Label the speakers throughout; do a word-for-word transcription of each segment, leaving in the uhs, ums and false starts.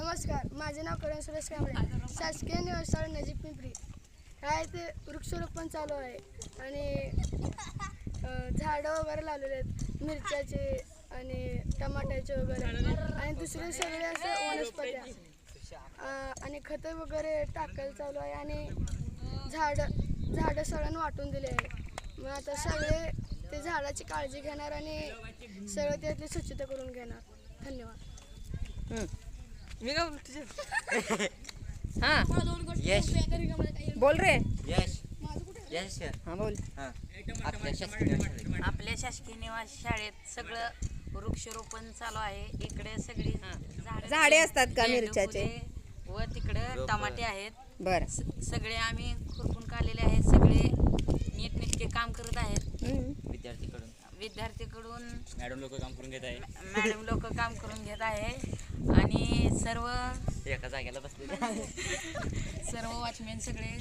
Speaker 1: नमस्कार, माझे नाव करण सुरेश कांबळे, शासकीय निवासस्थळ नजीक पिंपरी. काय ते वृक्षारोपण चालू आहे आणि झाडं वगैरे लावलेले आहेत, मिरच्याचे आणि टमाट्याचे वगैरे आणि दुसरे सगळे असे वनस्पत्या आणि खतं वगैरे टाकायला चालू आहे आणि झाडं झाडं सगळ्यांना वाटून दिले आहे. मग आता सगळे ते झाडाची काळजी घेणार आणि सगळं त्यातली स्वच्छता करून घेणार. धन्यवाद.
Speaker 2: मी का तुझे
Speaker 3: हाँ
Speaker 4: यश
Speaker 3: बोल रे
Speaker 4: यश यश
Speaker 3: हाँ बोल.
Speaker 4: हां आपल्या शासकीय शाळेत
Speaker 2: आपल्या शासकीय निवास शाळेत सगळं वृक्षारोपण चालू आहे. इकडे सगळी झाडं
Speaker 3: झाडे असतात का
Speaker 2: झेंडू
Speaker 3: मिरच्याचे?
Speaker 2: फुले व तिकडे टमाटे आहेत.
Speaker 3: बर
Speaker 2: स- सगळे आम्ही खुरपून काढलेले आहेत. सगळे नीटनेटके काम करत आहेत.
Speaker 4: विद्यार्थीकडून
Speaker 2: विद्यार्थीकडून
Speaker 4: मॅडम लोक काम करून घेत आहे.
Speaker 2: मॅडम लोक काम करून घेत आहे आणि सर्व
Speaker 4: एका जागेला बसले
Speaker 2: सर्व वॉचमॅन सगळे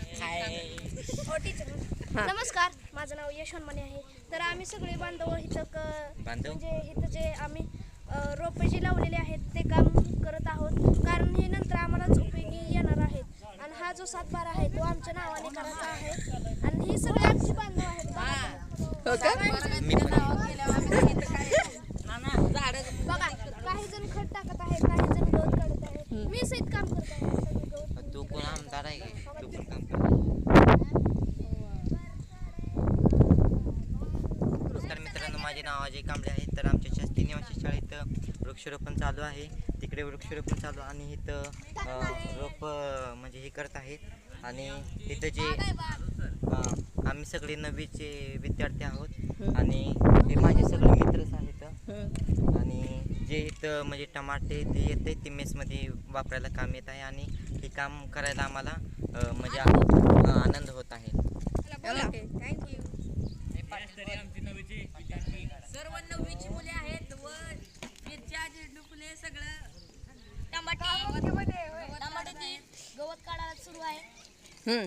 Speaker 1: नमस्कार, माझं नाव यशवंत मने आहे. तर आम्ही सगळे बांधव इथं क-
Speaker 4: बांधव?
Speaker 1: म्हणजे इथं जे आम्ही अ, रोपे जे लावलेले आहेत ते काम करत आहोत, कारण हे नंतर आम्हालाच उपयोगी येणार आहेत. आणि हा जो सातबारा आहे तो आमच्या नावाने करायचा आहे आणि ही सगळे आमची बांधव आहेत.
Speaker 3: हो का?
Speaker 4: मी पण
Speaker 1: बघा, काही जण खत टाकत आहेत, काही जण गवत काढत आहेत. मी सहित काम करत आहे. सगळे गवत
Speaker 4: तू कोण आमदार आहे का? तू पण काम कर. नमस्कार मित्रांनो, माझे नाव अजय कांबळे आहे. तर आमच्या शासकीय निवासी शाळेत वृक्षारोपण चालू आहे. तिकडे वृक्षारोपण चालू आणि इथं अ, रोप अ, म्हणजे हे करत आहेत आणि इथं जे अ, आम्ही सगळे नववीचे विद्यार्थी आहोत आणि हे माझे सगळे मित्रच आहेत. आणि जे इथं म्हणजे टमाटे ते येते ते मेसमध्ये वापरायला काम येत आहे आणि हे काम करायला आम्हाला अ, म्हणजे आ- आनंद होत आहे.
Speaker 3: थँक्यू.
Speaker 2: सर्व नववीची मुले आहेत व मिरच्या झेंडू फुले सगळं टमाटे टमाट्याची
Speaker 1: गवत काढायला सुरू आहे.
Speaker 3: हम्म.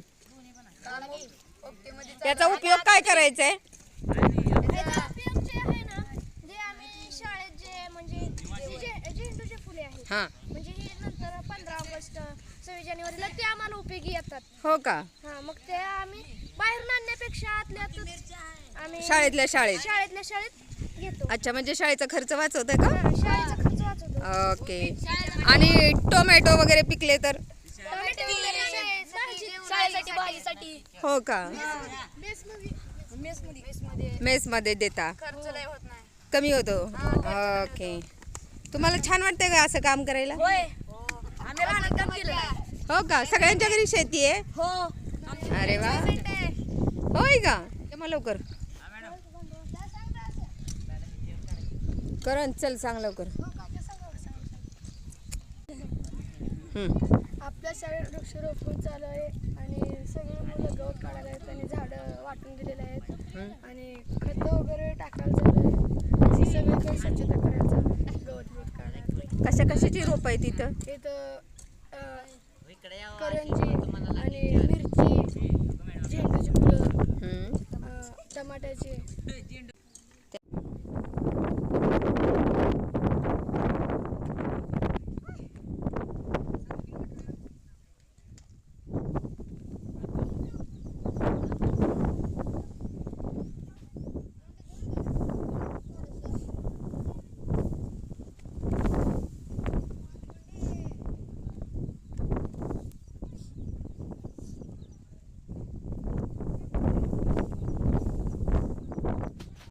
Speaker 3: त्याचा उपयोग काय करायचा आहे?
Speaker 1: त्याचा उपयोग जे आहे ना, जे आम्ही शाळेत जे म्हणजे जे- झेंडूचे फुले आहेत,
Speaker 3: हा
Speaker 1: म्हणजे हे नंतर पंधरा ऑगस्ट सव्वीस जानेवारीला ते आम्हाला उपयोगी येतात.
Speaker 3: हो का?
Speaker 1: हा, मग ते आम्ही बाहेरून आणण्यापेक्षा आतल्या आतच आम्ही
Speaker 3: शाळेतल्या शाळेत.
Speaker 1: शाळेतल्या शाळेत घेतो.
Speaker 3: अच्छा, म्हणजे शाळेचा खर्च वाचवत का?
Speaker 1: हा, शाळेचा खर्च वाचवतो.
Speaker 3: ओके. आणि टोमॅटो वगैरे पिकले तर?
Speaker 1: टोमॅटो वगैरे शाळेत- शाळेसाठी भाजीसाठी
Speaker 3: हो का?
Speaker 1: मेसमध्ये
Speaker 3: मेस मध्ये देता?
Speaker 1: खर्च लय होत नाही.
Speaker 3: कमी होतो. ओके. तुम्हाला छान वाटतंय का असं काम करायला?
Speaker 1: होय, आम्ही राहण्यात काम केलेलं आहे.
Speaker 3: हो का? सगळ्यांच्या घरी शेती आहे?
Speaker 1: हो.
Speaker 3: अरे वा. होय का? ये मग लवकर. करण चल सांग लवकर. हम्म.
Speaker 1: आपल्या शाळेत वृक्षारोपण चालू आहे आणि सगळे मुलं गवत काढायला आहेत आणि झाडं वाटून दिलेले आहेत आणि खतं वगैरे टाकायला चालू आहे. सगळीकडे स्वच्छता करायचं, गवत गवत काढायला.
Speaker 3: कशा कशाची रोप आहे तिथं?
Speaker 1: इथं अं, करंजी आणि मिरची, झेंडूची फुलं,
Speaker 3: हम्म.
Speaker 1: अं, टमाट्याची